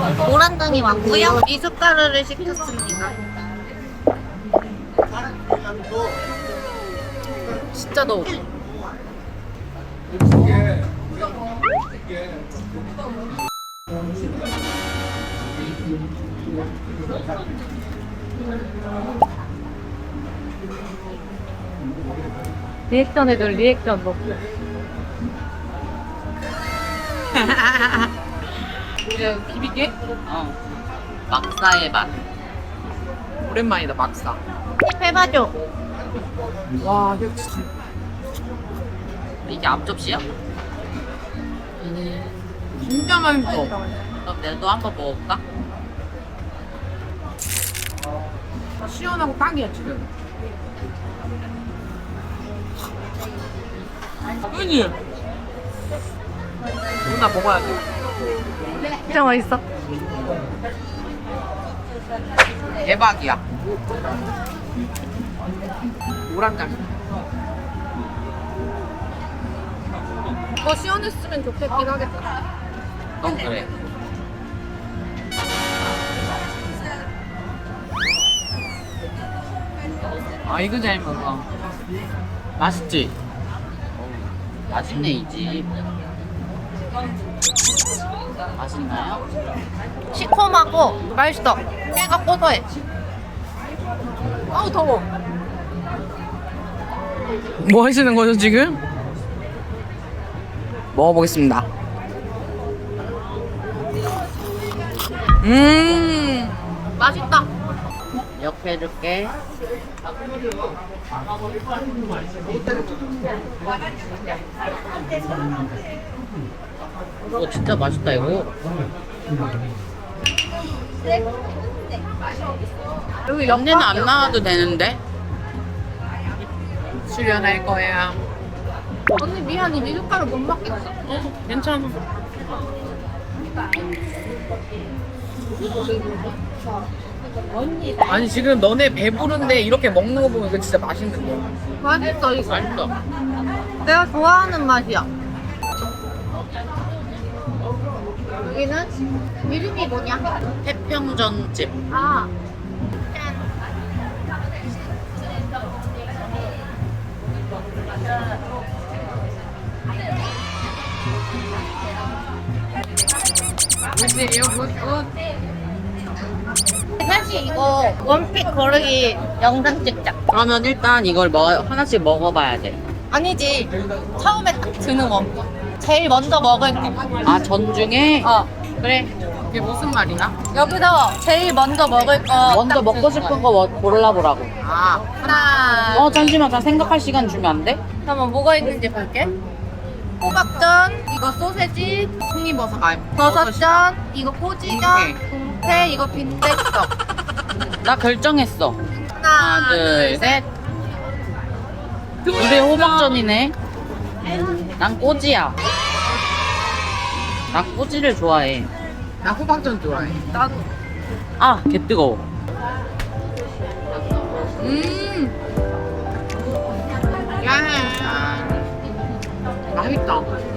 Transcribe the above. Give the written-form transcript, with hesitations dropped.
모란등이 왔고요. 미숫가루를 시켰습니다. 진짜 더워. 리액션 해줘, 리액션 먹고. 이제 비비게? 막사의 맛. 오랜만이다 막사. 팁 해봐줘. 와 이거 진짜 이게 앞접시야? 진짜 맛있어. 그럼 내도 한번 먹어볼까? 시원하고 딱이야 지금. 그지? 누나 먹어야 돼. 진짜 맛있어. 대박이야. 노란장. 시원했으면 좋겠긴 하겠다. 넌 그래. 아 이거 잘 먹어. 맛있지? 맛있네 이 집. 맛있나요? 시큼하고 맛있어. 깨가 고소해. 아우 더워. 뭐 하시는 거죠 지금? 먹어보겠습니다. 맛있다. 이렇게 해줄게. 이거 진짜 맛있다 이거. 여기 연내는 안 나와도 되는데. 출연할 거야. 언니 미안해. 미숫가루 못 먹겠어. 괜찮아. 아니 지금 너네 배부른데 이렇게 먹는 거 보면 이거 진짜 맛있는데. 맛있어 이거. 맛있어. 내가 좋아하는 맛이야. 여기는 이름이 뭐냐? 태평전집. 아. 무슨이에요? 사실 이거 원픽 거르기 영상 찍자. 그러면 일단 이걸 하나씩 먹어봐야 돼. 아니지. 처음에 딱 드는 원픽. 제일 먼저 먹을 거. 아 전중에? 그래. 이게 무슨 말이야? 여기서 제일 먼저 먹을 거. 먼저 딱 먹고 드는 싶은 거야. 거 골라보라고. 아 하나. 잠시만, 나 생각할 시간 주면 안 돼? 잠깐만 뭐가 있는지 볼게. 호박전, 이거 소세지, 송이버섯. 버섯전, 이거 꼬지전, 동태, 이거 빈대떡. 나 결정했어. 하나, 둘, 셋. 우리 호박전이네. 난 꼬지야. 나 꼬지를 좋아해. 나 호박전 좋아해. 나도. 아, 개 뜨거워. 야 맛있다.